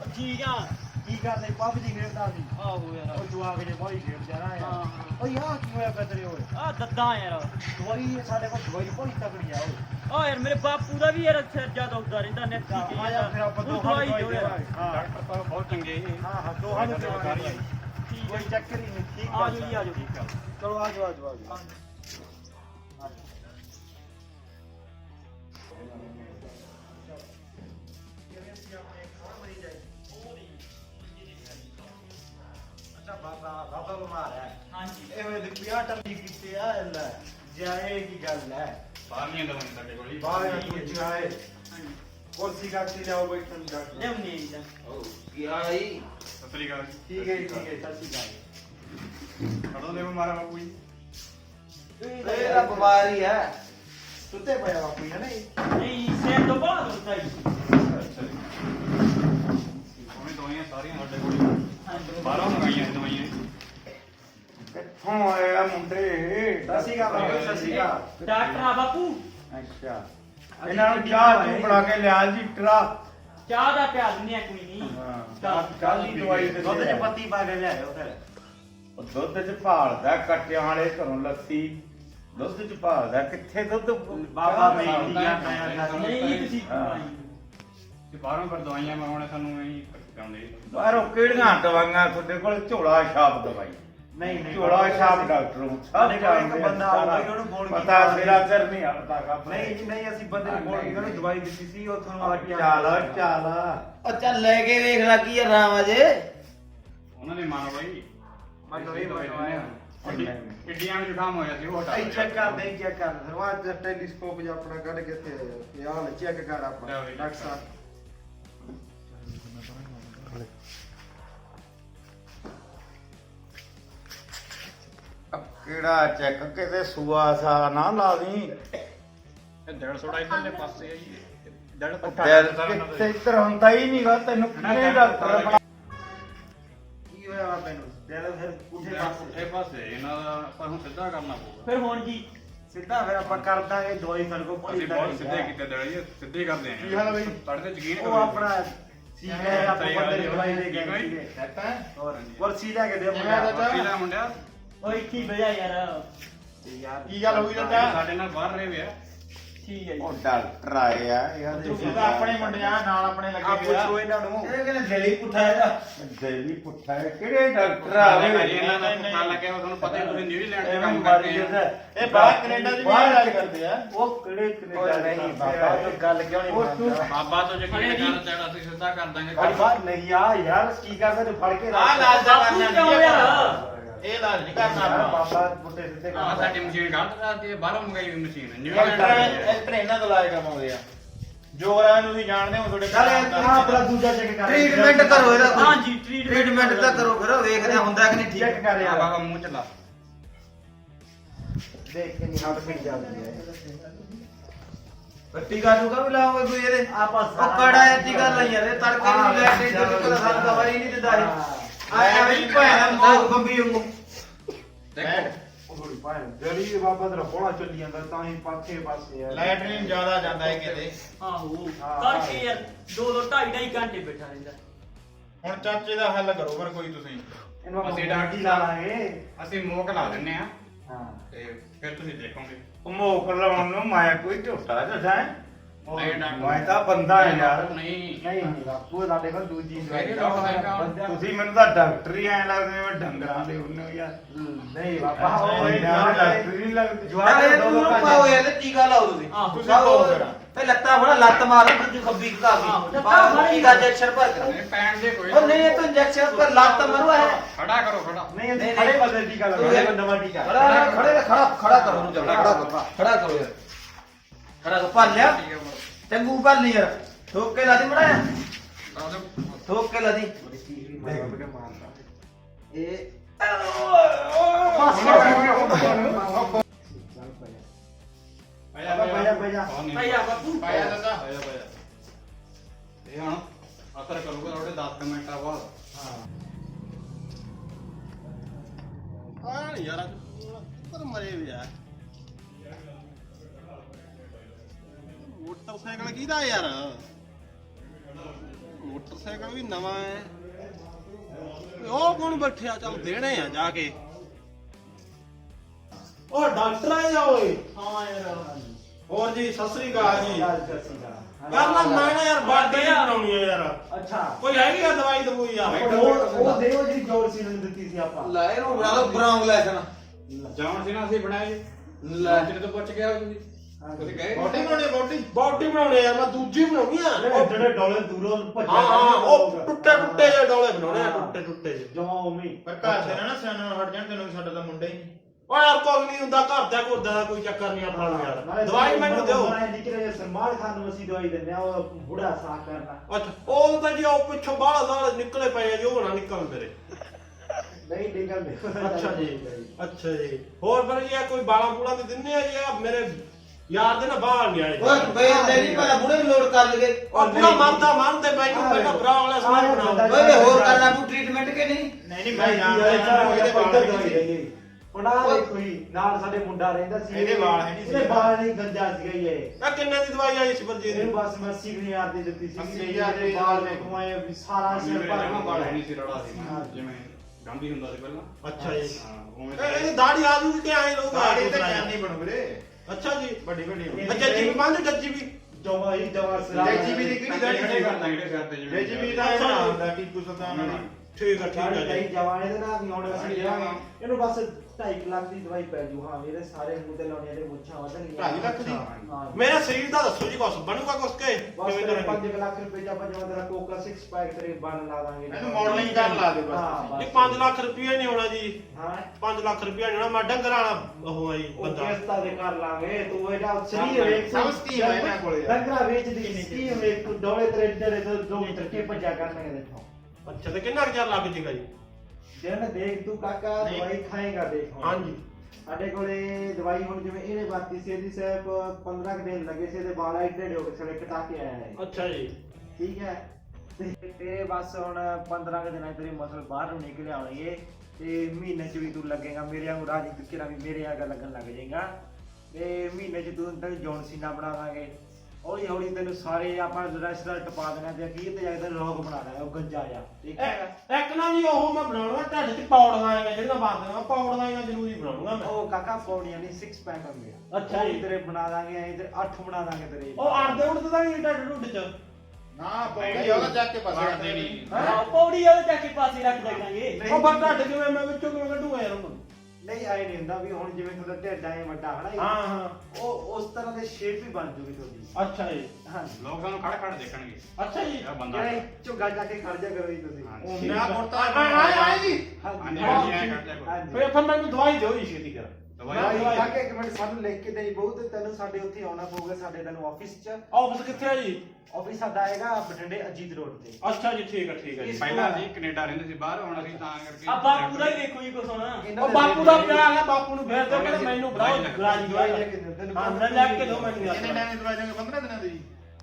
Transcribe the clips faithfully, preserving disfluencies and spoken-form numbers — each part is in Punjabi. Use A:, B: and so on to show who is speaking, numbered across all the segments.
A: ਠੀਕ ਆ
B: ਕੀ ਕਰਦੇ ਪਬਜੀ ਖੇਡਦਾ ਸੀ
A: ਆਹੋ ਯਾਰ
B: ਉਹ ਜਵਾਕ ਜੇ ਬਹੁਤ ਹੀ ਖੇਡ ਜਾਣਾ
A: ਹਾਂ
B: ਯਾਰ
A: ਹਾਂ
B: ਓਏ ਆਹ ਕੀ ਹੋਇਆ ਕਦਰੇ ਓਏ
A: ਆ ਦੱਦਾਂ ਯਾਰ
B: ਦਵਾਈ ਸਾਡੇ ਕੋਲ ਦਵਾਈ ਬੜੀ ਤਕੜੀ ਆ ਓਏ
A: ਆ ਯਾਰ ਮੇਰੇ ਬਾਪੂ ਦਾ ਵੀ ਯਾਰ ਸਿਰ ਜਿਆਦਾ ਉੱਦਾ ਰਹਿੰਦਾ ਨੇ
B: ਆ ਜਾ ਫਿਰ ਆਪਾਂ
A: ਉਹ
B: ਦੋਹਾਂ
A: ਦਵਾਈ
B: ਨੂੰ
A: ਦਿਓ ਯਾਰ
B: ਹਾਂ
C: ਡਾਕਟਰ ਤਾਂ ਬਹੁਤ ਚੰਗੇ
B: ਹਾਂ ਹਾਂ ਦੋਹਾਂ ਨੂੰ
C: ਦਵਾਈ
B: ਦਵਾਈ ਕੋਈ ਚੱਕਰ ਹੀ ਨਹੀਂ ਠੀਕ
A: ਆ ਜਾਓ ਜੀ ਆ ਜਾਓ
C: ਠੀਕ ਆ
B: ਚਲੋ ਆ ਜਾਓ ਆ ਜਾਓ ਆ ਜਾਓ ਬਾਬਾ ਬਾਬਾ ਬਿਮਾਰ ਹੈ
A: ਹਾਂਜੀ
B: ਇਹ ਵੇ ਪਿਆ ਟੱਲੀ ਕੀਤੇ ਆ ਲੈ ਜਾਏ ਕੀ ਗੱਲ ਹੈ
C: ਬਾਹਰਲੀਆਂ ਦਵਾਈਆਂ ਸਾਡੇ ਕੋਲ ਹੀ
B: ਬਾਹਰ ਕੁਝ ਆਏ
A: ਹਾਂਜੀ
B: ਕੁਰਸੀ ਕਾਸੀ ਲਿਆਓ ਬੈਠਣ ਜਾ ਕੇ
A: ਲਿਆਉਣੀ ਇਹਦਾ
B: ਕੀ ਆਈ
C: ਸਤਿ ਸ੍ਰੀ ਅਕਾਲ
B: ਠੀਕ ਹੈ ਜੀ, ਠੀਕ ਹੈ ਸਤਿ ਸ਼੍ਰੀ ਅਕਾਲ
C: ਕਦੋਂ ਦੇ ਬਿਮਾਰ ਆ ਬਾਪੂ ਜੀ
B: ਇਹ ਤਾਂ ਬਿਮਾਰੀ ਹੈ ਸੁੱਤੇ ਪਿਆ ਬਾਪੂ ਜੀ ਨਹੀਂ
A: ਨਹੀਂ ਸਿਰ ਤੋਂ ਬਾਹਰ ਹੁੰਦਾ ਹੀ
C: ਅੱਛਾ ਜੀ ਉਹਨੇ ਦਵਾਈਆਂ ਸਾਰੀਆਂ ਸਾਡੇ ਕੋਲ ਹੀ
A: ਹਾਂਜੀ
C: ਬਾਹਰੋਂ ਮੰਗਾਈਆਂ ਇਹ ਦਵਾਈਆਂ
B: ਕਿੱਥੋਂ ਆਇਆ ਮੁੰਡੇ ਸਤਿ ਸ਼੍ਰੀ ਅਕਾਲ ਬਾਪੂ ਸਤਿ ਸ਼੍ਰੀ ਅਕਾਲ
A: ਡਾਕਟਰ ਆ ਬਾਪੂ
B: ਅੱਛਾ ਇਹਨਾਂ ਨੂੰ ਚਾਹ ਚੂਹ ਬਣਾ ਕੇ ਲਿਆ ਜੀ ਟਰਾ
A: ਚਾਹ ਦਾ ਪਿਆ ਦਿੰਦੇ ਆ ਕੋਈ ਨਹੀਂ
B: ਚਾਹ ਚਾਹ ਦੀ ਦਵਾਈ ਤੇ
D: ਦੁੱਧ 'ਚ ਪੱਤੀ ਪਾ ਕੇ ਲਿਆਇਓ ਫਿਰ
E: ਉਹ ਦੁੱਧ ਚ ਭਾਲਦਾ ਕੱਟਿਆਂ ਵਾਲੇ ਘਰੋਂ ਲੱਸੀ ਦੁੱਧ ਚ ਭਾਲਦਾ ਕਿੱਥੇ ਦੁੱਧ
D: ਬਾਬਾ ਮੇਰੀ ਜਾਂਦਾ ਆ
A: ਨਹੀਂ ਤੁਸੀਂ
E: ਹਾਂ।
C: ਤੇ ਬਾਹਰੋਂ ਫਿਰ ਦਵਾਈਆਂ ਮੰਗਾਉਣੇ ਸਾਨੂੰ ਇਹੀ ਪਹੁੰਚਾਉਂਦੇ
E: ਬਾਹਰੋਂ ਕਿਹੜੀਆਂ ਦਵਾਈਆਂ ਤੁਹਾਡੇ ਕੋਲ ਝੋਲਾ ਛਾਪ ਦਵਾਈ
D: ਨਹੀਂ ਨਹੀਂ
E: ਝੋਲਾ ਛਾਪ ਡਾਕਟਰ ਨੂੰ
D: ਸਾਡੇ ਕੋਲ ਇੱਕ ਬੰਦਾ ਆਊਗਾ ਜੀ, ਉਹਨੂੰ ਫੋਨ ਕੀਤਾ
E: ਪਤਾ ਤੇਰਾ ਸਿਰ ਨਹੀਂ ਹਟਦਾ ਕੰਮ
D: ਨਹੀਂ ਜੀ ਨਹੀਂ ਅਸੀਂ ਬੰਦੇ ਨੂੰ ਫੋਨ ਕੀਤਾ ਉਹਨੂੰ ਦਵਾਈ ਦਿੱਤੀ ਸੀ ਉਹ ਤੁਹਾਨੂੰ ਆ ਕੇ
E: ਚੱਲ ਚੱਲ
F: ਉਹ ਚੱਲ ਲੈ ਕੇ ਵੇਖ ਲੈ ਕੀ ਆਰਾਮ ਅਜੇ
C: ਉਹਨਾਂ ਨੇ ਮਾਨੋ ਬਾਈ
D: ਮਤਲਬ ਇਹ ਬਣਵਾਇਆ
C: ਕਿੱਡੀਆਂ ਨੂੰ ਜ਼ੁਕਾਮ ਹੋਇਆ ਸੀ ਉਹ ਹਟਾ
D: ਇਹ ਚੈੱਕ ਕਰ ਦੇ ਚੈੱਕ ਕਰ ਫਿਰ ਉਹ ਟੈਲੀਸਕੋਪ ਜਿਹਾ ਆਪਣਾ ਕੱਢ ਕੇ ਤੇ ਯਾਰ ਚੈੱਕ ਕਰ ਆਪਣਾ ਡਾਕਟਰ ਸਾਹਿਬ
E: ਕਿਹੜਾ ਚੈੱਕ ਕਿਤੇ ਸੂਆ ਸਾ ਨਾ ਲਾ ਦੀ
C: ਇਹ ਡੜ ਥੋੜਾ ਇਧਰਲੇ ਪਾਸੇ ਆ ਜੀ ਡੜ
E: ਦਿਲ ਕਿਤੇ ਇੱਧਰ ਹੁੰਦਾ ਹੀ ਨਹੀਂਗਾ ਤੈਨੂੰ ਕਿਹਨੇ ਡਾਕਟਰ ਬਣਾ
D: ਕੀ ਹੋਇਆ ਵਾ ਮੈਨੂੰ ਦਿਲ ਫਿਰ ਪੁੱਠੇ ਪਾਸੇ
C: ਪੁੱਠੇ ਪਾਸੇ ਇਹਨਾਂ ਦਾ ਪਰ ਹੁਣ ਸਿੱਧਾ ਕਰਨਾ ਪਊਗਾ
A: ਫਿਰ ਹੁਣ ਜੀ
D: ਸਿੱਧਾ ਫਿਰ ਆਪਾਂ ਕਰ ਦਾਂਗੇ ਦਵਾਈ ਸਾਡੇ ਕੋਲ ਬੜੀ
C: ਅਸੀਂ ਬਹੁਤ
D: ਤਕੜੀ
C: ਸਿੱਧੇ
D: ਹੈ।
C: ਕੀਤੇ ਦੜ ਜੀ ਸਿੱਧੇ ਕਰਦੇ ਆਂ
D: ਕੀ ਹਾਲ ਆ ਬਈ?
C: ਤੁਹਾਡੇ ਤੇ ਯਕੀਨ
D: ਉਹ ਆਪਣਾ ਸੀ ਹੈ ਆਪਾਂ ਬੰਦੇ ਦੀ ਦਵਾਈ ਦੇ
C: ਠੀਕ ਹੈ
D: ਗਏ
C: ਜੀ।
D: ਸੀਗੇ ਹੋਰ ਕੁਰਸੀ ਲੈ ਕੇ ਦੇ
C: ਵਕੀਲਾ ਮੁੰਡਿਆ
A: ਓਏ ਇੱਥੇ ਬਜਾ ਯਾਰ
D: ਯਾਰ
B: ਕੀ ਗੱਲ ਹੋਈ ਜਾਂਦਾ
C: ਸਾਡੇ ਨਾਲ ਬਾਹਰ ਰਹੇ ਵੇ ਆ
A: ਠੀਕ ਹੈ ਜੀ
E: ਉਹ ਡਾਕਟਰ ਆਏ ਆ ਇਹਦੇ
B: ਤੁਸੀਂ ਤਾਂ ਆਪਣੇ ਮੁੰਡਿਆਂ ਨਾਲ ਆਪਣੇ
D: ਆ
B: ਲੱਗੇ ਹੋਏ ਆ
D: ਪੁੱਛੋ ਇਹਨਾਂ ਨੂੰ
F: ਇਹ ਕਹਿੰਦੇ ਦਿਲੀ ਪੁੱਠਾ ਇਹਦਾ
E: ਦੇਵੀ ਪੁੱਠਾ ਹੈ ਕਿਹੜੇ ਡਾਕਟਰ ਆਵੇ
C: ਇਹਨਾਂ ਦਾ ਪਤਾ ਲੱਗਿਆ ਤੁਹਾਨੂੰ ਪਤਾ ਹੀ ਤੁਸੀਂ ਨਿਊਜ਼ੀਲੈਂਡ ਦੇ
D: ਐਵੇਂ
C: ਕੰਮ
D: ਮਾਰੀ
C: ਕਰਦੇ
D: ਜਾਂਦਾ
C: ਆ
B: ਇਹ ਬਾਹਰ ਕੈਨੇਡਾ ਦੇ ਵੀ ਇਹ ਇਲਾਜ ਕਰਦੇ ਆ
D: ਉਹ ਕਿਹੜੇ ਓਏ ਕੈਨੇਡਾ ਨਹੀਂ ਬਾਬਾ ਤੋਂ ਗੱਲ ਕਿਉਂ ਨਹੀਂ
B: ਉਹ ਤੂੰ-
D: ਮੰਨਦਾ
C: ਬਾਬਾ ਤੋਂ ਯਕੀਨ ਕਰ ਦੇਣਾ ਅਸੀਂ ਸਿੱਧਾ ਕਰ ਦਾਂਗੇ
D: ਅਰੇ ਬਾਤ ਨਹੀਂ ਆ ਯਾਰ ਕੀ ਕਰਦਾ ਤੂੰ ਫੜ ਕੇ
F: ਆਹ ਇਲਾਜ ਦਾ
A: ਬਾਪੂ
F: ਕਰਨਾ
A: ਕਿਉਂ
F: ਨਹੀਂ
A: ਯਾਰ
B: ਇਹ ਇਲਾਜ ਨਹੀਂ ਕਰਨਾ
D: ਯਾਰ
B: ਆਪਾਂ
D: ਬਾਬਾ ਪੁੱਠੇ ਸਿੱਧੇ
C: ਆ
D: ਕੰਮ
C: ਸਾਡੀ ਮਸ਼ੀਨ ਗਲਤ ਕਰਦੀ ਹੈ ਬਾਹਰੋਂ ਮੰਗਾਈ ਹੋਈ ਮਸ਼ੀਨ ਹੈ
B: ਡਾਕਟਰ
C: ਨਿਊਜ਼ੀਲੈਂਡ ਦੀ ਹੈ।
B: ਇਸ ਤਰ੍ਹਾਂ ਇਹਨਾਂ ਦਾ ਇਲਾਜ ਕਰਵਾਉਂਦੇ ਆ ਜੋਗਰਾਂ ਨੂੰ ਤੁਸੀਂ ਜਾਣਦੇ ਹੋ ਤੁਹਾਡੇ
D: ਚੱਲ ਇਹ ਆਹ ਆਪਣਾ ਦੂਜਾ ਚੈੱਕ ਕਰ
F: ਟ੍ਰੀਟਮੈਂਟ ਕਰੋ ਇਹਦਾ ਕੋਈ।
A: ਹਾਂਜੀ ਟ੍ਰੀਟਮੈਂਟ
F: ਟ੍ਰੀਟਮੈਂਟ ਤਾਂ ਕਰੋ ਫਿਰ ਵੇਖਦੇ ਹਾਂ ਹੁੰਦਾ ਕਿ ਨਹੀਂ
D: ਚੈੱਕ
F: ਠੀਕ
D: ਕਰ
C: ਆ
D: ਯਾਰ
C: ਬਾਬਾ ਮੂੰਹ ਚ ਲਾ
D: ਦੇਖ ਕੇ ਨਹੀਂ ਹੱਥ ਫਿੱਟ ਜਾਂਦੀ ਹੈ
F: ਟੀਕਾ ਟੂਕਾ ਵੀ ਲਾਓਗੇ ਕੋਈ ਇਹਦੇ
D: ਆਪਾਂ
F: ਉਹ ਕੜਾ ਹੈ ਟੀਕਾ ਲਈ ਯਾਰ ਇਹ ਤੜਕੇ ਨੂੰ ਲੈ ਕੇ ਇੱਧਰ ਨੂੰ ਸਾਨੂੰ ਦਵਾਈ ਨਹੀਂ ਦਿੰਦਾ ਇਹ ਆ ਐਵੇਂ ਹੀ ਭੈਣ ਦਾ ਬੰਬੀ ਵਾਂਗੂ
C: ਦੇਖੋ
D: ਉਹ ਥੋੜੀ ਪਾਣ ਜੜੀ ਬਾਬਾ ਤੇਰਾ ਕੋਲਾ ਚੱਲੀ ਜਾਂਦਾ ਤਾਂ ਹੀ ਪਾਸੇ ਪਾਸੇ ਆ
B: ਲੈਟਰੀਨ ਜ਼ਿਆਦਾ ਜਾਂਦਾ ਹੈ ਕਿਤੇ
A: ਆਹੋ
D: ਹਾਂ।
A: ਕਰਕੇ ਯਾਰ ਦੋ ਦੋ ਢਾਈ ਢਾਈ ਘੰਟੇ ਬੈਠਾ ਰਹਿੰਦਾ
B: ਹੁਣ ਚਾਚੇ ਦਾ ਹੱਲ ਕਰੋ ਫਿਰ ਕੋਈ ਤੁਸੀਂ
D: ਇਹਨੂੰ ਆਪਾਂ
C: ਅਸੀਂ
D: ਡਾਕਟਰ
C: ਡਾਕਟਰ
D: ਲਾ ਲਾਂਗੇ
C: ਅਸੀਂ ਮੋਕ ਲਾ ਦਿੰਨੇ ਆ
D: ਹਾਂ
C: ਤੇ ਫਿਰ ਤੁਸੀਂ ਦੇਖੋਗੇ
E: ਮੋਕ ਲਾਉਣ ਨੂੰ ਮੈਂ ਕੋਈ ਝੋਟਾ ਜੱਟਾ ਹੈ
C: ਨਹੀਂ ਡਾਕਟਰ
E: ਮੈਂ ਤਾਂ ਬੰਦਾ ਹਾਂ ਯਾਰ
C: ਨਹੀਂ
D: ਨਹੀਂ ਨਹੀਂ ਬਾਪੂ ਸਾਡੇ ਕੋਲ ਦੂਜੀ
C: ਮੇਰੇ ਡਾਕਟਰ ਹੈਗਾ।
D: ਬੰਦਾ-
E: ਤੁਸੀਂ ਮੈਨੂੰ ਤਾਂ ਡਾਕਟਰ ਹੀ ਐ ਲੱਗਦੇ ਜਿਵੇਂ ਡੰਗਰਾਂ ਦੇ ਹੁੰਨੇ ਹੋ ਯਾਰ
D: ਨਹੀਂ ਬਾਬਾ ਉਹ
E: ਮੈਂ
D: ਇਹ
E: ਡਾਕਟਰ ਹੀ ਨਹੀਂ ਲੱਗਦੇ
D: ਜਵਾਬ
F: ਯਾਰ ਇਹ
D: ਦੋ ਦੋ
F: ਤੂੰ
D: ਘੰਟੇ
F: ਪਾਓ ਯਾਰ ਟੀਕਾ ਲਾਓ ਤੁਸੀਂ
A: ਆਹੋ
B: ਤੁਸੀਂ ਪਾਓ ਫਿਰ
F: ਤੇ ਲੱਤਾਂ ਫੜਾ ਲੱਤ ਮਾਰ ਦੂਜੀ ਖੱਬੀ ਘਾ
A: ਆਹੋ,
F: ਕੇ
A: ਲੱਤਾਂ
F: ਬਾਹਰ
A: ਫੜੀ।
F: ਟੀਕਾ ਇੰਜੈਕਸ਼ਨ ਭਰ ਕੇ
C: ਨਹੀਂ ਪੈਣ ਦੇ ਕੋਈ
F: ਉਹ ਨਹੀਂ ਇਹ ਤਾਂ ਇੰਜੈਕਸ਼ਨ ਪਰ ਲੱਤ ਮਾਰੂ ਹੈ
C: ਖੜਾ ਕਰੋ ਖੜਾ
D: ਨਹੀਂ ਅਸੀਂ
F: ਨਹੀਂ,
D: ਖੜੇ
F: ਨਹੀਂ।
D: ਬੰਦੇ ਟੀਕਾ
F: ਤੂੰ
D: ਲਗਾਇਆ
F: ਇਹ-
D: ਨਵਾਂ ਟੀਕਾ
F: ਖੜਾ ਖੜੇ ਰਹਿ, ਖੜਾ ਖੜਾ ਕਰੋ ਨੂੰ ਚੱਲ ਖੜਾ ਕਰੋ ਖੜਾ ਕਰੋ ਯਾਰ ਖੜਾ ਕਰੋ ਭਰ ਲਿਆ ਚੰਗੂ ਭਰ ਲਈ ਯਾਰ ਠੋਕ ਕੇ ਲਾ ਦੀ ਮੜਾ ਠੋਕ ਕੇ ਲਾ ਦੀ ਇਹ
C: ਆਇਆ
D: ਬਈਆ ਬਈਆ
A: ਭਾਈ ਆ ਬਾਪੂ
C: ਪਾਇਆ ਦੰਦਾ ਪਾਇਆ ਪਾਇਆ ਇਹ ਹੁਣ ਅਸਰ ਕਰੂਗਾ ਤੁਹਾਡੇ ਦਸ ਮਿੰਟਾਂ ਬਾਅਦ
B: ਹਾਂ ਯਾਰ ਪਰ ਮਰੇ ਵੀ ਆ ਮੋਟਰਸਾਈਕਲ ਕਿਹਦਾ ਯਾਰ ਮੋਟਰ
D: ਮੋਟਰਸਾਈਕਲ ਵੀ ਨਵਾਂ ਹੈ। ਉਹ ਕੌਣ ਬੈਠਿਆ? ਚੱਲ ਦੇਣੇ ਆ ਜਾ ਕੇ। ਉਹ ਡਾਕਟਰ ਆਏ ਆ ਓਏ।
A: ਹਾਂ ਯਾਰ
D: ਹੋਰ ਜੀ ਸਤਿ ਸ੍ਰੀ ਅਕਾਲ ਜੀ।
B: ਯਾਰ ਜੱਸੀ ਦਾ
D: ਯਾਰ ਨਾ ਮੈਂ ਨਾ ਯਾਰ ਬਰਥਡੇ ਬਣਾਉਣੀ ਆ ਯਾਰ।
B: ਅੱਛਾ
D: ਕੋਈ ਹੈਗੀ ਆ ਦਵਾਈ ਦਵਾਈ ਆ?
B: ਉਹ ਉਹ ਦੇਓ ਜਿਹੜੀ ਜੋੜ ਸੀ ਨੂੰ ਦਿੱਤੀ ਸੀ ਆਪਾਂ
F: ਲੈ ਇਹਨੂੰ ਬਣਾ ਲਓ ਬਰਾਉਂਗ ਲੈਸਨ।
C: ਜਾਣ ਸੀ ਨਾ ਅਸੀਂ ਬਣਾਏ
F: ਲੈ
C: ਜਿਹੜੇ ਤੋਂ ਪੁੱਛ ਗਿਆ ਤੁਸੀਂ ਤੁਸੀਂ ਕਹੇ
D: ਬੋਡੀ ਬਣਾਉਣੀ ਬੋਡੀ ਬੋਡੀ ਬਣਾਉਣੀ ਯਾਰ ਮੈਂ ਦੂਜੀ ਬਣਾਉਣੀ ਆ।
E: ਉਹ ਜਿਹੜੇ ਡੋਲੇ ਦੂਰੋਂ ਭੱਜਿਆ
D: ਹਾਂ ਹਾਂ ਉਹ ਟੁੱਟੇ ਟੁੱਟੇ ਜਿਹੇ ਡੋਲੇ ਬਣਾਉਣੇ ਆ ਟੁੱਟੇ ਟੁੱਟੇ ਜਿਹੇ।
E: ਜਮਾ ਉਮੀ
G: ਪਰ ਘਰ ਦੇ ਨਾ ਸਿਆਣਾ ਹਟ ਜਾਣ ਤੈਨੂੰ ਸਾਡਾ ਤਾਂ ਮੁੰਡਾ ਹੀ ਨਹੀਂ।
D: ਓ ਯਾਰ ਕੋਈ ਨਹੀਂ ਹੁੰਦਾ ਘਰ ਦਾ ਘੁਰਦਾ ਦਾ ਕੋਈ ਚੱਕਰ ਨਹੀਂ ਆਪਣਾ ਨੂੰ ਯਾਰ। ਦਵਾਈ ਮੈਨੂੰ ਦਿਓ।
E: ਨਿਕਲੇ ਸਰਮਾਲ ਖਾਨ ਨੂੰ ਅਸੀਂ ਦਵਾਈ ਦਿੰਦੇ ਆ ਉਹ ਬੁੜਾ ਸਾਖ ਕਰਨਾ।
D: ਅੱਛਾ ਉਹ ਤਾਂ ਜੀ ਉਹ ਪਿੱਛੋਂ ਬਾਹਲਾ ਸਾਲ ਨਿਕਲੇ ਪਏ ਆ ਜੀ ਉਹ ਨਾ ਨਿਕਲ ਮੇਰੇ।
E: ਨਹੀਂ ਨਿਕਲਦੇ।
D: ਅੱਛਾ ਜੀ ਅੱਛਾ ਜੀ ਹੋਰ ਫਿਰ ਜੀ ਇਹ ਕੋਈ ਬਾਲਾਂ ਬੂਲਾਂ ਤੇ ਦਿੰਨੇ ਆ ਜੀ ਆ ਮੇਰੇ ਯਾਰ ਦੇ ਨਾ ਬਾਹਰ ਨਹੀਂ ਆਏ।
F: ਓਏ ਬਈ ਨਹੀਂ ਪਹਿਲਾਂ ਬੁੜੇ ਨੂੰ ਲੋਡ ਕਰ ਲਗੇ।
D: ਉਹ ਪੂਰਾ ਮਰਦਾ ਮਰਦੇ ਮੈਨੂੰ ਪਹਿਲਾਂ ਬਰਾ ਵਾਲਾ ਸਮਾਨ ਬਣਾਓ।
F: ਓਏ ਹੋਰ ਕਰਨਾ ਤੂੰ ਟ੍ਰੀਟਮੈਂਟ ਕਿ ਨਹੀਂ?
G: ਨਹੀਂ ਨਹੀਂ ਮੈਂ ਜਾਣਦਾ ਇਹਦੇ ਵਾਲ
E: ਦਵਾਈ ਰਹੀ ਉਹਨਾਂ ਦੇ ਕੋਈ ਨਾਲ ਸਾਡੇ ਮੁੰਡਾ ਰਹਿੰਦਾ ਸੀ।
G: ਇਹਦੇ ਵਾਲ ਹੈ ਨਹੀਂ ਸੀ।
E: ਇਹਦੇ ਵਾਲ ਨਹੀਂ ਗੰਜਾ ਸੀਗਾ ਜੀ ਇਹ।
D: ਇਹ ਕਿੰਨੇ ਦੀ ਦਵਾਈ ਆਈ ਸੀ ਬਲਜੀਤ
E: ਇਹਨੂੰ
D: ਦੀ?
E: ਬਸ ਮੈਂ ਅੱਸੀ ਹਜ਼ਾਰ ਦੀ ਦਿੱਤੀ ਸੀ।
G: ਅੱਸੀ ਹਜ਼ਾਰ
E: ਇਹਦੇ ਵਾਲ ਵੇਖਵਾਏ ਵੀ ਸਾਰਾ ਸਿਰ
C: ਮੇਰੇ
E: ਭਰ
C: ਜਮਾ ਵਾਲ ਹੈ ਨਹੀਂ
E: ਗਿਆ।
C: ਸੀ ਰੜਾ ਸੀ ਜਿਵੇਂ ਗਾਂਧੀ ਹੁੰਦਾ ਸੀ ਪਹਿਲਾਂ।
D: ਅੱਛਾ ਜੀ
C: ਹਾਂ ਉਵੇਂ
D: ਇਹ ਇਹਦੀ ਦਾੜੀ ਆ ਜੂਗੀ ਕਿ ਐਂ ਲੋਕ
G: ਦਾੜੀ ਤੇ ਕਿਆ ਨਹੀਂ ਬਣੂ ਵੀਰੇ।
D: ਅੱਛਾ ਜੀ
G: ਵੱਡੀ ਵੱਡੀ
D: ਅੱਛਾ ਜੀ ਬੰਦ ਜੱਜੀ ਵੀ
E: ਜਮਾ ਹੀ ਜਮਾ ਸਿਰ
G: ਜੱਜੀ ਵੀ ਦੀ ਕਿਹੜੀ ਦਾੜੀ
C: ਖੜੇ
G: ਸੀ?
C: ਕਰਦਾ ਜਿਹੜੇ ਸਿਰ ਤੇ ਜਿਵੇਂ
G: ਜੇ ਜੀ ਦਾ ਇਹ ਨਾ ਹੁੰਦਾ ਟੀਪੂ ਸੁਲਤਾਨ ਵਾਲੀ।
D: ਠੀਕ ਆ ਠੀਕ ਆ
E: ਕਈ
D: ਜੀ
E: ਜਵਾਨੇ ਦੇ ਨਾਲ ਵੀ ਹੁਣ ਅਸੀਂ ਲਿਆਵਾਂ ਇਹਨੂੰ ਬਸ ਢਾਈ ਲੱਖ ਦੀ ਦਵਾਈ ਪੈ ਜੂ। ਹਾਂ ਮੇਰੇ ਸਾਰੇ ਮੂੰਹ ਤੇ ਲਾਉਣੇ ਤੇ ਮੁੱਛਾਂ ਵਧਣਗੀਆਂ।
G: ਢਾਈ ਲੱਖ ਦੀ?
E: ਹਾਂ
D: ਮੇਰੇ ਸਰੀਰ ਦਾ ਦੱਸੋ ਜੀ ਕੁਛ ਬਣੂਗਾ ਕੁਛ ਕੇ
E: ਬਸ
D: ਕਿਵੇਂ
E: ਤੇਰੇ
D: ਦਾ
E: ਪੰਜ ਲੱਖ ਰੁਪਏ ਜਾਂ ਪੰਜਾਂ ਤੇਰਾ ਕੋਕਾ ਸਿਕਸ ਪੈਕ ਤੇਰੇ ਬਣ ਲਾ ਦਾਂਗੇ।
G: ਇਹਨੂੰ ਮਾਡਲਿੰਗ ਕਰ ਲਾ ਦੇ
E: ਹਾਂ
G: ਬਸ।
E: ਬਸ
D: ਇਹ ਪੰਜ ਲੱਖ ਰੁਪਏ ਨਹੀਂ ਹੋਣਾ ਜੀ
E: ਹਾਂ
D: ਪੰਜ ਲੱਖ ਰੁਪਏ ਨਹੀਂ ਹੋਣਾ ਮੈਂ ਡੰਗਰ ਵਾਲਾ ਉਹ ਆ ਜੀ
E: ਉਹ
D: ਬੰਦਾ
E: ਕਿਸ਼ਤਾਂ ਦੇ ਕਰ ਲਾਂਗੇ ਤੂੰ ਇਹਦਾ ਸਰੀਰ ਵੇਖ
G: ਸਭ scheme ਹੈ ਇਹਨਾਂ ਕੋਲੇ ਯਾਰ।
E: ਡੰਗਰਾ ਵੇਚਦੀ ਸਕੀਮ ਵੇਖ ਤੂੰ ਡੋਲੇ ਤੇਰੇ ਜਿਹੜੇ ਤੋਂ ਦੋ ਤਰਕੇ ਭੱਜਾ ਕਰਨਗੇ ਦੇਖੋ।
D: ਅੱਛਾ ਤੇ ਕਿੰਨਾ ਕੁ ਚਿਰ ਲੱਗ ਜੇਗਾ ਜੀ?
E: ਜਨ ਦੇਖ ਤੂੰ ਕਾਕਾ
G: ਨਹੀਂ।
E: ਦਵਾਈ ਖਾਏਗਾ ਦੇਖ ਹੁਣ।
D: ਹਾਂਜੀ
E: ਸਾਡੇ ਕੋਲੇ ਦਵਾਈ ਹੁਣ ਜਿਵੇਂ ਇਹਨੇ ਬਾਤੀ ਸੀ ਇਹਦੀ ਸਿਰਫ ਪੰਦਰਾਂ ਕੁ ਦਿਨ ਲੱਗੇ ਸੀ ਇਹਦੇ ਵਾਲ ਐਡੇ ਹੋ ਕੇ ਥੋੜੇ ਕਟਾ ਕੇ ਆਇਆ ਹੈ।
D: ਅੱਛਾ ਜੀ
E: ਠੀਕ ਹੈ ਤੇ ਤੇਰੇ ਬਸ ਹੁਣ ਪੰਦਰਾਂ ਕੁ ਦਿਨਾਂ 'ਚ ਤੇਰੇ ਮਸਲ ਬਾਹਰ ਨੂੰ ਨਿਕਲ ਆਉਣਗੇ ਤੇ ਮਹੀਨੇ 'ਚ ਵੀ ਤੂੰ ਲੱਗੇਗਾ ਮੇਰੇ ਵਾਂਗੂ ਰਾਜੀ ਕਿਰਾ ਵੀ ਮੇਰੇ ਆਗਾ ਲੱਗਣ ਲੱਗ ਜਾਏਗਾ ਤੇ ਮਹੀਨੇ 'ਚ ਤੂੰ ਤੈਨੂੰ ਜੌਨ ਸੀਨਾ ਬਣਾ ਦਾਂਗੇ। ਹੌਲੀ ਹੌਲੀ ਤੈਨੂੰ ਸਾਰੇ ਆਪਾਂ ਰੈਸਟੋਰੈਂਟ ਪਾ ਦੇਣਾ ਤੇ ਅਖੀਰ ਤੇ ਜਾ ਕੇ ਤੈਨੂੰ ਰੋਗ ਬਣਾ ਦੇਣਾ ਉਹ ਗੰਜਾ ਜਾ ਠੀਕ ਹੈ।
D: ਇਹ- ਇੱਕ ਨਾ ਜੀ ਉਹ ਮੈਂ ਬਣਾਉਣਾ ਢੱਡ 'ਚ ਪੌੜੀਆਂ ਆਏਗਾ ਜਿਹੜੀਆਂ ਬਾਂਦੀਆਂ ਪੌੜੀਆਂ ਆਏਗਾ ਜ਼ਰੂਰੀ ਬਣਾਉਣਾ ਮੈਂ।
E: ਉਹ ਕਾਕਾ ਪੌੜੀਆਂ ਨਹੀਂ ਸਿਕਸ ਪੈਕ ਹੁੰਦੇ ਆ।
D: ਅੱਛਾ ਜੀ।
E: ਉਹ ਤੇਰੇ ਬਣਾ ਦਾਂਗੇ ਅਸੀਂ ਤੇ ਅੱਠ ਬਣਾ ਦਾਂਗੇ ਤੇਰੇ।
D: ਉਹ ਅੜਦੇ ਉੜਦੇ ਤਾਂ ਨਹੀਂ ਢੱਡ ਢੁੱਡ 'ਚ।
G: ਨਾ ਪੌੜੀ ਉਹਦਾ ਚੱਕ ਕੇ ਪਾਸੇ
C: ਵੜਦੇ ਨਹੀਂ।
A: ਹਾਂ ਪੌੜੀ ਵਾਲੇ ਚੱਕ ਕੇ ਪਾਸੇ ਰੱਖ ਦਾਂਗੇ।
D: ਉਹ ਬਸ ਢੱਡ ਕਿਵੇਂ ਮੈਂ ਵਿੱਚੋਂ ਕਿਵੇਂ ਕੱਢੂਗਾ ਯਾਰ ਉਹਨੂੰ?
E: ਨਹੀਂ ਆਏ ਨਹੀਂ ਹੁੰਦਾ ਵੀ ਹੁਣ ਜਿਵੇਂ ਤੁਹਾਡਾ ਢਿੱਡ ਐ ਵੱਡਾ ਹਨਾ ਜੀ,
D: ਹਾਂ ਹਾਂ
E: ਉਹ ਉਸ ਤਰ੍ਹਾਂ ਦੇ ਸ਼ੇਪ ਵੀ ਬਣ ਜੂਗੀ ਤੁਹਾਡੀ।
D: ਅੱਛਾ ਜੀ
E: ਹਾਂਜੀ
C: ਲੋਕ ਸਾਨੂੰ ਖੜ ਖੜ ਦੇਖਣਗੇ
D: ਅੱਛਾ ਜੀ
C: ਇਹ ਬੰਦਾ
E: ਜਿਹੜੇ ਝੁੱਗਾ ਜਾ ਕੇ ਖੜ ਜਾ ਕਰੋ ਜੀ ਤੁਸੀਂ।
C: ਹਾਂ।
G: ਉਹ ਮੇਰਾ ਕੁੜਤਾ
D: ਆਏ ਆਏ ਆਏ ਜੀ
C: ਹਾਂਜੀ ਹਾਂਜੀ ਐਂ ਖੜ ਜਾ ਕਰੋ।
E: ਹਾਂਜੀ
D: ਫਿਰ ਫਿਰ ਮੈਨੂੰ ਦਵਾਈ ਦਿਓ ਜੀ ਛੇਤੀ ਕਰ।
C: ਦਵਾਈ
E: ਦਵਾਈ ਖਾ ਕੇ ਇੱਕ ਮਿੰਟ ਸਾਨੂੰ ਲਿਖ ਕੇ ਦੇਈ ਬਹੁਤ ਤੈਨੂੰ ਸਾਡੇ ਉੱਥੇ ਆਉਣਾ ਪਊਗਾ ਸਾਡੇ ਤੈਨੂੰ ਆਫਿਸ 'ਚ।
D: ਆਫਿਸ ਕਿੱਥੇ ਹੈ ਜੀ?
E: ਆਫਿਸ ਸਾਡਾ ਆਏਗਾ ਬਠਿੰਡੇ ਅਜੀਤ ਰੋਡ ਤੇ।
D: ਅੱਛਾ ਜੀ ਠੀਕ ਹੈ ਠੀਕ ਹੈ ਜੀ।
C: ਪਹਿਲਾਂ ਅਸੀਂ ਕੈਨੇਡਾ ਰਹਿੰਦੇ ਸੀ ਬਾਹਰ ਹੁਣ ਅਸੀਂ ਤਾਂ ਕਰਕੇ
A: ਆ ਬਾਪੂ ਦਾ ਹੀ ਵੇਖੋ ਜੀ ਕੁਛ ਹੋਣਾ।
E: ਇਹਨਾਂ
D: ਉਹ
E: ਦੇ
D: ਬਾਪੂ ਦਾ
E: ਦੇ-
D: ਪਿਆਰ ਹੈ ਬਾਪੂ ਨੂੰ ਫੇਰ ਦੇ ਕਹਿੰਦੇ ਮੈਨੂੰ ਬੁਲਾਓ ਗਲਾਜੀ
E: ਦਵਾਈ
D: ਦਵਾਈ
E: ਲੈ ਕੇ ਦਿਓ, ਤੈਨੂੰ
D: ਹਾਂ ਮੈਂ ਲੈ ਕੇ ਦੋ ਮੈਨੂੰ
G: ਕਿੰਨੇ ਟਾਈਮ ਦੀ ਦਵਾਈ ਦੇਣਗੇ? ਪੰਦਰਾਂ ਦਿਨਾਂ ਦੀ।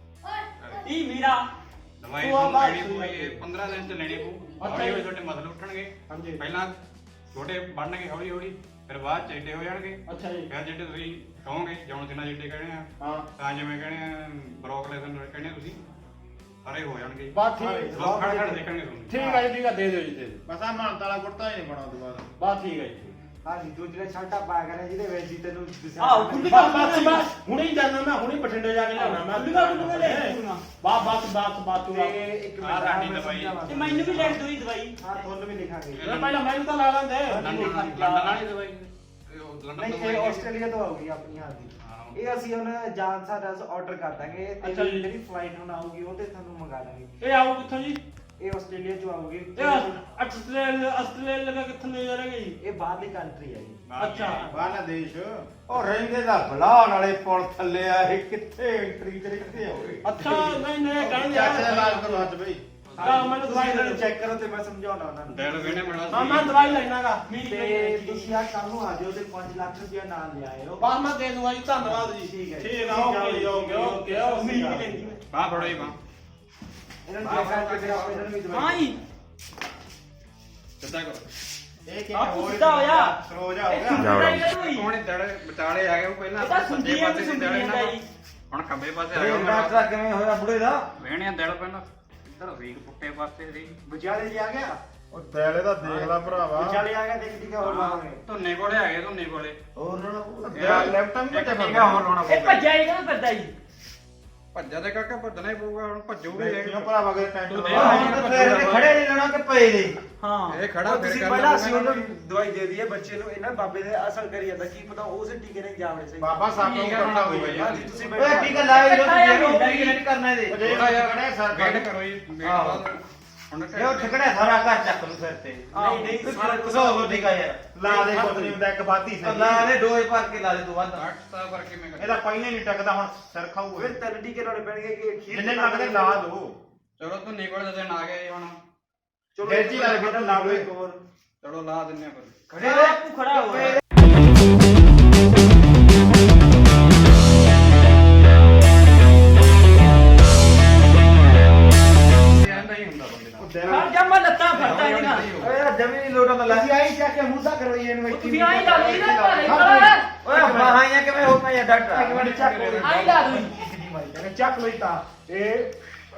A: ਇਹ ਮੇਰਾ
C: ਦਵਾਈ
D: ਉਹ ਆ
C: ਤੁਹਾਨੂੰ
D: ਬਾਤ
C: ਲੈਣੀ
D: ਸਹੀ
C: ਪਊ
D: ਹੈ।
C: ਇਹ ਪੰਦਰਾਂ ਦਿਨ ਚ ਲੈਣੀ ਪਊ
D: ਅੱਛਾ
C: ਹੌਲੀ ਹੌਲੀ
D: ਜੀ।
C: ਤੁਹਾਡੇ ਮਸਲ ਉੱਠਣਗੇ
D: ਹਾਂਜੀ
C: ਪਹਿਲਾਂ ਛੋਟੇ ਬਣਨਗੇ ਹੌਲੀ ਹੌਲੀ ਫਿਰ ਬਾਅਦ ਚ ਏਡੇ ਹੋ ਜਾਣਗੇ
D: ਅੱਛਾ ਜੀ
C: ਫਿਰ ਜਿਹੜੇ ਤੁਸੀਂ ਕਹੋਗੇ ਜੌਨ ਜਿੰਨਾ ਜਿੱਡੇ ਕਹਿਣੇ ਆ
D: ਹਾਂ
C: ਤਾਂ ਜਿਵੇਂ ਕਹਿਣੇ ਆ ਬਰੋਕਲੇਸਨ ਕਹਿੰਦੇ ਤੁਸੀਂ ਸਾਰੇ ਹੋ ਜਾਣਗੇ
D: ਬਾਤ ਠੀਕ
C: ਲੋਕ ਖੜ ਖੜ ਦੇਖਣਗੇ ਤੁਹਾਨੂੰ
D: ਠੀਕ ਹੈ ਜੀ ਠੀਕ ਹੈ ਦੇ ਦਿਓ ਜੀ ਦੇ ਦਿਓ
G: ਬਸ ਆ ਮਾਨਤਾ ਵਾਲਾ ਕੁੜਤਾ ਹੀ ਨਹੀਂ ਬਣਾ ਦੁਬਾਰਾ।
D: ਬਾਤ ਠੀਕ ਹੈ ਜੀ
E: ਹਾਂਜੀ ਦੂਜੇ ਸ਼ਰਟਾਂ ਪਾਇਆ ਕਰੇ ਜਿਹਦੇ ਵਿੱਚ ਹੀ ਤੈਨੂੰ ਦਿਸਿਆ
A: ਆਹੋ,
E: ਕਰੇ।
A: ਖੁੱਲੀ
D: ਬਸ ਬਸ ਬਸ ਹੁਣੇ ਹੀ ਜਾਣਾ ਮੈਂ ਹੁਣੇ ਬਠਿੰਡੇ ਜਾ ਕੇ ਲਿਆਉਣਾ ਮੈਂ
A: ਖੁੱਲ੍ਹੂਗਾ ਖੁੱਲ੍ਹੂਗਾ ਲੈ ਆਉਣਾ।
D: ਬਸ ਬਸ ਬਸ ਬਸ ਤੂੰ
E: ਤੇ ਇੱਕ
C: ਆਹ
E: ਮਿੰਟ
C: ਸਾਡੀ
E: ਮੈਂ
C: ਦਵਾਈ।
E: ਸਮਝਾਵਾਂ।
A: ਤੇ ਮੈਨੂੰ ਵੀ ਲੈ ਦਿਓ ਜੀ ਦਵਾਈ।
E: ਹਾਂ ਤੁਹਾਨੂੰ ਵੀ ਲਿਖਾਂਗੇ।
D: ਇਹ ਪਹਿਲਾਂ ਮੈਨੂੰ ਤਾਂ ਲਾ ਲੈਂਦੇ
C: ਲੰਡਨ ਲੰਡਨ ਵਾਲੀ ਦਵਾਈ ਇਹ ਉਹ ਲੰਡਨ
E: ਨਹੀਂ
C: ਤੋਂ
E: ਇਹ
C: ਦਵਾਈ
E: ਆਸਟ੍ਰੇਲੀਆ ਤੋਂ ਆਊਗੀ ਆਪਣੀ ਹਾਂ ਦੀ।
C: ਹਾਂ।
E: ਇਹ ਅਸੀਂ ਹੁਣ ਜਾਨ ਸਾਡਾ ਆਰਡਰ ਕਰ ਦਾਂਗੇ
D: ਅੱਛਾ
E: ਤੇ
D: ਜੀ।
E: ਜਿਹੜੀ ਫਲਾਈਟ ਹੁਣ ਆਊਗੀ ਉਹ ਤੇ ਤੁਹਾਨੂੰ ਮੰਗਾ ਦਾਂਗੇ।
D: ਇਹ ਆਉ ਕਿੱਥੋਂ ਜੀ?
E: ਇਹ ਆਸਟ੍ਰੇਲੀਆ ਚੋਂ ਆਊਗੀ।
D: ਇਹ ਆਸਟ੍ਰੇਲੀਆ ਆਸਟ੍ਰੇਲੀਆ ਲਗਾ ਕਿੱਥੋਂ ਲੈ ਜਾ ਰਹੇ ਜੀ?
E: ਇਹ ਬਾਹਰਲੀ ਕੰਟਰੀ ਹੈ ਜੀ।
D: ਅੱਛਾ
G: ਬਾਹਰਲਾ ਦੇਸ਼।
E: ਉਹ ਰਹਿੰਦੇ ਦਾ ਬਲਾਨ ਵਾਲੇ ਪੁਲ ਥੱਲੇ ਆ ਇਹ ਕਿੱਥੇ ਐਂਟਰੀ ਤੇ ਕਿੱਥੇ ਹੋਵੇ।
D: ਅੱਛਾ ਨਹੀਂ ਨਹੀਂ ਕਹਿੰਦੇ
G: ਚਾਚੇ ਦਾ
D: ਆ
G: ਇਲਾਜ ਕਰੋ ਹੱਥ ਬਈ।
D: ਹਾਂ ਮੈਨੂੰ ਦਵਾਈ ਦੇ ਦਿਓ।
E: ਚੈੱਕ ਕਰੋ ਤੇ ਮੈਂ ਸਮਝਾਉਣਾ ਉਹਨਾਂ ਨੂੰ।
C: ਦਿਲ ਵੇਣੇ ਮਿਲਣਾ
D: ਹਾਂ ਮੈਂ ਦਵਾਈ ਲੈਣਾਗਾ
E: ਤੇ ਤੁਸੀਂ ਆ ਕੱਲ ਨੂੰ ਆ ਜਾਓ ਤੇ ਪੰਜ ਲੱਖ ਰੁਪਇਆ ਨਾਲ ਲੈ ਆਇਓ।
D: ਬਾਅਦ ਮੈਂ ਦੇ ਦੂੰਗਾ ਜੀ ਧੰਨਵਾਦ ਜੀ
E: ਠੀਕ ਹੈ ਜੀ।
D: ਠੀਕ ਆ ਓਕੇ ਜੀ ਓਕੇ ਓਕੇ
A: ਉਮੀਦ ਵੀ
D: ਓਕੇ
A: ਲੈਂਦੀ ਮੈਂ।
C: ਬਾਹ ਫੜੋ ਜੀ ਬਾਹ
E: ਇਹਨਾਂ ਨੂੰ ਚੈੱਕ ਕਰਕੇ ਫਿਰ ਆਪਾਂ ਇਹਨਾਂ ਨੂੰ ਵੀ ਦਵਾਈ
A: ਹਾਂ ਜੀ
C: ਸਿੱਧਾ ਕਰੋ
G: ਇਹ ਕੀ
A: ਬਾਪੂ
G: ਹੋਰ
A: ਸਿੱਧਾ ਹੋਇਆ।
G: ਸਰੋਜਾ ਹੋ
A: ਇਹ
G: ਗਿਆ।
A: ਸੁਣਦਾ ਹੀ ਕਦੋਂ ਹੀ।
C: ਕੋਣੇ ਦੜੇ ਵਿਚਾਲੇ ਆ ਗਏ ਉਹ ਪਹਿਲਾਂ
A: ਇਹ ਤਾਂ
C: ਸੱਜੇ
A: ਸੁਣਦੀ ਆ
C: ਪਾਸੇ ਸੀ
A: ਸੁਣਦੀ
C: ਦੜੇ
A: ਜਾਂਦਾ
C: ਨਾਲ
A: ਜੀ।
C: ਹੁਣ ਖੱਬੇ ਪਾਸੇ ਆ
E: ਇਹ
C: ਗਏ
E: ਡਾਕਟਰ ਕਿਵੇਂ ਹੋਇਆ ਬੁੜੇ ਦਾ?
C: ਵੇਣੇ ਦਿਲ ਪਹਿਲਾਂ ਇੱਧਰ ਰੀਕ ਪੁੱਟੇ ਪਾਸੇ ਦੀ
E: ਵਿਚਾਲੇ ਜੀ ਆ ਗਿਆ
G: ਉਹ ਦਿਲ ਇਹਦਾ ਦੇਖ ਲੈ ਭਰਾਵਾ
E: ਵਿਚਾਲੇ ਆ ਗਿਆ ਦੇਖ ਟੀਕਾ ਹੋਰ ਲਾਵਾਂਗੇ
C: ਧੁੰਨੇ ਕੋਲੇ ਹੈਗੇ ਧੁੰਨੇ ਕੋਲੇ
B: ਹੋਰ ਲਾਉਣਾ ਪਊਗਾ।
G: ਦਿਲ ਲੈਫਟ ਵੀ
C: ਇੱਕ
G: ਮੱਚਾ
C: ਟੀਕਾ ਹੋਰ ਲਾਉਣਾ
A: ਇਹ
C: ਪਊਗਾ
A: ਭੱਜਿਆ ਹੀ ਕਿਉਂ ਫਿਰਦਾ ਜੀ
C: ਭੱਜਾ ਦੇ ਕਾਕਾ ਭੱਜਣਾ ਹੀ ਪਊਗਾ ਹੁਣ ਭੱਜੂਗੇ
G: ਕਿਉਂ ਭਰਾਵਾ ਕੇ ਟੈਂਟ
C: ਤੂੰ
G: ਲਾ।
C: ਦੇਖ।
B: ਆਹ ਹੁਣ ਤਾਂ ਫੇਰ ਇਹਨੇ ਖੜੇ ਨਹੀਂ ਲੈਣਾ ਕਿ ਪਏ ਦੇ
A: ਹਾਂ
C: ਇਹ ਖੜਾ ਫਿਰ
E: ਤੁਸੀਂ
C: ਕਰ
E: ਪਹਿਲਾਂ ਅਸੀਂ ਉਹਨੂੰ ਦਵਾਈ ਦੇ ਦਈਏ ਬੱਚੇ ਨੂੰ ਇਹਨਾਂ ਬਾਬੇ ਦੇ ਅਸਰ ਕਰੀ ਜਾਂਦਾ ਕੀ ਪਤਾ ਉਸੇ ਟੀਕੇ ਨੇ ਜਾਵੜੇ ਸਹੀ
G: ਬਾਬਾ ਸਾਹਿਬ ਨੂੰ
C: ਟੀਕਾ
G: ਕਰਨਾ
C: ਲਾਉਣਾ
G: ਹੋਈ
C: ਪਊਗਾ
G: ਯਾਰ
C: ਜੀ।
E: ਤੁਸੀਂ
B: ਓਏ ਟੀਕਾ ਲਾਇਆ ਜੋ
A: ਇਕੱਠਾ
B: ਤੁਸੀਂ ਨਹੀਂ ਕਰਨਾ ਇਹਦੇ
G: ਜੇ
C: ਥੋੜਾ ਜਿਹਾ
G: ਖੜੇ ਸਰ
C: ਵੇਟ ਕਰੋ ਜੀ ਵੇਟ
B: ਆਹੋ।
C: ਬਾਅਦ ਹੁਣ
B: ਇਹ ਉਹ ਠਕੜਾ ਸਾਰਾ ਘਰ ਚੱਕ ਲੂ ਸਿਰ ਤੇ
E: ਨਹੀਂ ਨਹੀਂ ਸਾਰਾ ਕੁਝ
B: ਸੋ ਟੀਕਾ ਯਾਰ
G: ਲਾ ਦੇ ਕੁਝ ਨਹੀਂ ਹੁੰਦਾ ਇੱਕ ਬਾਤੀ
B: ਤਾਂ
G: ਸਹੀ
B: ਲਾ ਦੇ ਡੋਜ਼ ਭਰ ਕੇ ਲਾ ਦੇ ਤੂੰ ਵੱਧ
C: ਅੱਠ ਤਾਂ ਕਰਕੇ ਮੈਂ
G: ਇਹਦਾ ਪਹਿਲੇ ਨਹੀਂ ਟਕਦਾ ਹੁਣ ਸਿਰ ਖਾਊਗਾ
E: ਫਿਰ ਤਿੰਨ ਟੀਕੇ ਲਾਉਣੇ ਪੈਣਗੇ ਕਿ ਅਖੀਰ
G: ਜਿੰਨੇ ਲੱਗਦੇ ਲਾ ਦੋ
C: ਚਲੋ ਧੁੰਨੇ ਕੋਲੇ ਦਿਨ ਆ ਗਏ ਜੀ ਹੁਣ
E: ਚਲੋ
G: ਫਿਰ ਜੀ ਵਾਲੇ ਫਿਰ ਲਾ ਦਿਓ।
E: ਇੱਕ ਹੋਰ
C: ਚਲੋ ਲਾ ਦਿੰਨੇ ਆ ਫਿਰ
B: ਖੜੇ
A: ਬਾਪੂ ਖੜਾ ਹੋ ਰਿਹਾ।
C: ਇਹ ਨਹੀਂ ਹੁੰਦਾ ਬੰਦੇ ਨਾਲ
A: ਖੜ ਜਾ ਮੈਂ ਲੱਤਾਂ ਫੜਦਾ ਇਹਦੀਆਂ
B: ਓਏ ਜਮੀ ਨਹੀਂ ਲੋਟਾ ਤਾਂ
E: ਅਸੀਂ ਆਈ ਚੱਕ ਕੇ ਮੂੰਹ ਕਰੋ ਇਹਨੂੰ
A: ਉਹ ਤੁਸੀਂ ਆਈ ਲਾ ਲਈ ਨਾ ਘਰੇ ਕੋਲ
B: ਓਏ ਬਾਹਾਂ ਕਿਵੇਂ ਹੋ ਪਈਆਂ ਡਾਕਟਰ
E: ਇੱਕ ਮਿੰਟ ਚੱਕ ਲਓ
A: ਆਈ ਲਾ ਦੂੰ
E: ਕਿਦੀ ਮਾਰੀ ਜਾਣੇ ਚੱਕ ਲੋ ਤਾਂ ਇਹ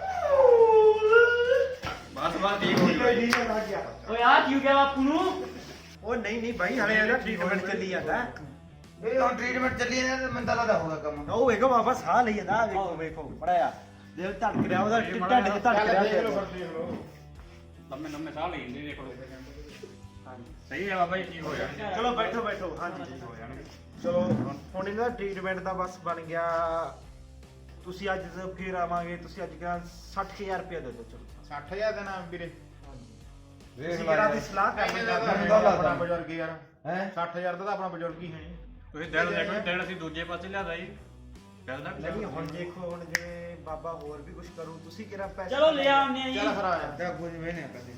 C: ਬਸ ਬਸ ਠੀਕ ਹੋ
E: ਕੋਈ
C: ਗਈ
E: ਨਹੀਂ ਲੱਗ ਗਿਆ
A: ਓਏ ਆ ਕੀ ਹੋ ਗਿਆ ਬਾਪੂ ਨੂੰ
E: ਉਹ ਨਹੀਂ ਨਹੀਂ ਭਾਈ ਹਲੇ ਇਹਦਾ ਟ੍ਰੀਟਮੈਂਟ ਚੱਲੀ ਜਾਂਦਾ
B: ਇਹ ਹੁਣ ਟ੍ਰੀਟਮੈਂਟ ਚੱਲੀ ਜਾਂਦਾ ਤੇ ਮੈਨੂੰ ਤਾਂ ਲੱਗਦਾ ਹੋਗਾ ਕੰਮ
E: ਉਹ ਵੇਖੋ ਬਾਬਾ ਸਾਹ ਲਈ ਜਾਂਦਾ ਆਹ ਵੇਖੋ ਵੇਖੋ ਬੜਾਇਆ ਦਿਲ ਧੜਕ ਰਿਹਾ ਉਹਦਾ ਢਿੱਡ ਚ ਧੜਕ ਰਿਹਾ
G: ਦੇਖ ਲਓ
E: ਦਿਲ।
G: ਫਿਰ ਦੇਖ ਲਓ
C: ਲੰਮੇ ਲੰਮੇ ਸਾਹ ਲਈ ਜਾਂਦੇ ਦੇਖੋ ਸਹੀ ਹੈ ਬਾਬਾ ਜੀ ਠੀਕ ਹੋ ਜਾਣਗੇ
E: ਚਲੋ ਬੈਠੋ ਬੈਠੋ ਹਾਂਜੀ ਠੀਕ ਹੋ ਜਾਣਗੇ ਚਲੋ ਹੁਣ ਇਹਦਾ ਟ੍ਰੀਟਮੈਂਟ ਦਾ ਬਸ ਬਣ ਗਿਆ ਤੁਸੀਂ ਅੱਜ ਤੋਂ ਫੇਰ ਆਵਾਂਗੇ ਤੁਸੀਂ ਅੱਜ ਕੱਲ੍ਹ ਸੱਠ ਹਜ਼ਾਰ ਰੁਪਏ ਦੇ ਦਿਓ ਚਲੋ
G: ਸੱਠ ਹਜ਼ਾਰ ਦਾ ਨਾਮ ਵੀਰੇ
B: ਵੇਖ
E: ਤੁਸੀਂ
B: ਲਾ
E: ਕਿਹੜਾ
B: ਯਾਰ।
E: ਦੀ ਸਲਾਹ ਕਰ
G: ਮੈਨੂੰ
E: ਰਹੇ
G: ਤਾਂ ਆਪਣਾ ਬਜ਼ੁਰਗ ਯਾਰ
B: ਹੈਂ?
G: ਸੱਠ ਹਜ਼ਾਰ ਦਾ ਤਾਂ ਆਪਣਾ ਬਜ਼ੁਰਗ ਹੀ ਹੈ ਨਹੀਂ
C: ਤੁਸੀਂ ਦਿਲ ਦੇਖੋ ਦਿਲ ਅਸੀਂ ਦੂਜੇ ਪਾਸੇ ਲਿਆਦਾ ਜੀ ਦਿਲ ਦਾ
E: ਨਹੀਂ ਹੁਣ ਦੇਖੋ ਹੁਣ ਜਿਵੇਂ ਬਾਬਾ ਹੋਰ ਵੀ ਕੁਝ ਕਰੂ ਤੁਸੀਂ ਕਿਹੜਾ ਪੈਸੇ
A: ਚਲੋ ਲੈ ਆਉਂਦੇ ਆ ਜੀ
G: ਚੱਲ ਫਿਰ ਆ ਜਾ
B: ਤਾਂ ਕੁਝ ਵੀ ਨਹੀਂ ਕਦੇ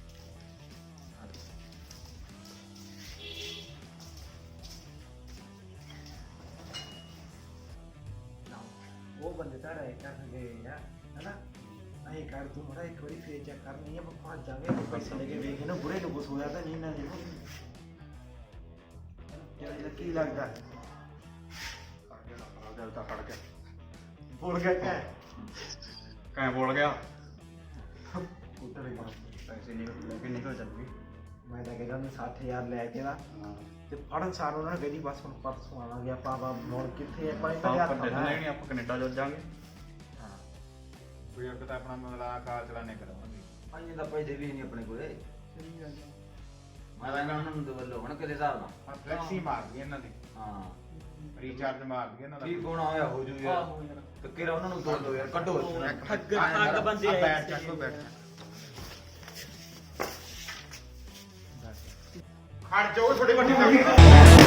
E: ਉਹ ਬੰਦੇ ਤਾਂ ਰਹਿ ਕਰਨਗੇ ਯਾਰ ਹੈਨਾ ਨਹੀਂ ਕਰ ਤੂੰ ਮੜਾ ਇੱਕ ਵਾਰੀ ਫੇਰ ਚੈੱਕ ਕਰਨੀ ਹੈ ਆਪਾਂ ਪਹੁੰਚ ਜਾਵਾਂਗੇ ਆਪਾਂ ਪੈਸੇ ਲੈ ਕੇ ਵੇਖ ਨਾ ਬੁਰੇ ਨੂੰ ਕੁਛ ਹੋਇਆ ਤਾਂ ਨਹੀਂ ਨਾ ਦੇਖੋ ਯਾਰ ਕੀ ਲੱਗਦਾ
C: ਦਿਲ ਤਾਂ ਫੜ ਗਿਆ
E: ਬੋਲ ਗਿਆ ਕਿਆ
C: ਕੈਂ ਬੋਲ ਗਿਆ
E: ਉੱਤਰ ਗਿਆ
C: ਪੈਸੇ ਨਿਕਲ ਲੈ ਕੇ ਨਿਕਲ ਚੱਲ ਗਈ
E: ਮੈਂ ਤਾਂ ਕਹਿੰਦਾ ਮੈਂ ਸੱਠ ਹਜ਼ਾਰ ਲੈ ਕੇ ਨਾ ਤੇ ਫੜਨ ਸਾਰ ਉਹਨਾਂ ਨੇ ਕਹਿੰਦੀ ਬਸ ਹੁਣ ਪਰਸੋਂ ਆਵਾਂਗੇ ਆਪਾਂ ਆਪਾਂ ਹੁਣ ਕਿੱਥੇ ਆਪਾਂ ਇਹਨਾਂ ਦੇ ਹੱਥ
C: ਆਪਾਂ
E: ਆਉਣਾ
C: ਨਹੀਂ ਆਪਾਂ ਕੈਨੇਡਾ ਜਾ ਜਾਾਂਗੇ
E: ਹਾਂ
G: ਬਜ਼ੁਰਗ ਤਾਂ ਆਪਣਾ ਮਤਲਬ ਕਾਰ ਚਲਾਣੇ ਕਰਾਵਾਂਗੇ
B: ਪੰਜ ਦਾ ਪੈਸੇ ਵੀ ਨਹੀਂ ਆਪਣੇ ਕੋਲੇ ਮੈਂ ਤਾਂ ਉਹਨਾਂ ਨੂੰ ਦਵਲੋ ਹੁਣ ਕਿਹਦੇ ਹਿਸਾਬ ਨਾਲ
G: ਹਾਂ ਫਲੈਕਸੀ ਮਾਰ ਗਈ ਇਹਨਾਂ ਦੀ
B: ਹਾਂ
G: ਰੀਚਾਰਜ ਮਾਰ ਗਈ ਇਹਨਾਂ ਦਾ
B: ਠੀਕ ਹੋਣਾ ਹੋਇਆ ਹੋ ਜੂ ਯਾਰ
A: ਆਹੋ ਯਾਰ।
B: ਤੇ ਕਿਹੜਾ ਉਹਨਾਂ ਨੂੰ ਦੋ ਦੋ ਯਾਰ ਕੱਢੋ ਇੱਥੋਂ।
A: ਠੱਗ ਠੱਗ ਬੰਦੇ
G: ਆ
A: ਆਏ
G: ਬੈਠ
A: ਸੀ।
G: ਚੱਕੋ ਬੈਠ ਖੜ ਜਾਓ ਥੋੜੀ ਵੱਡੀ ਲੱਗੀ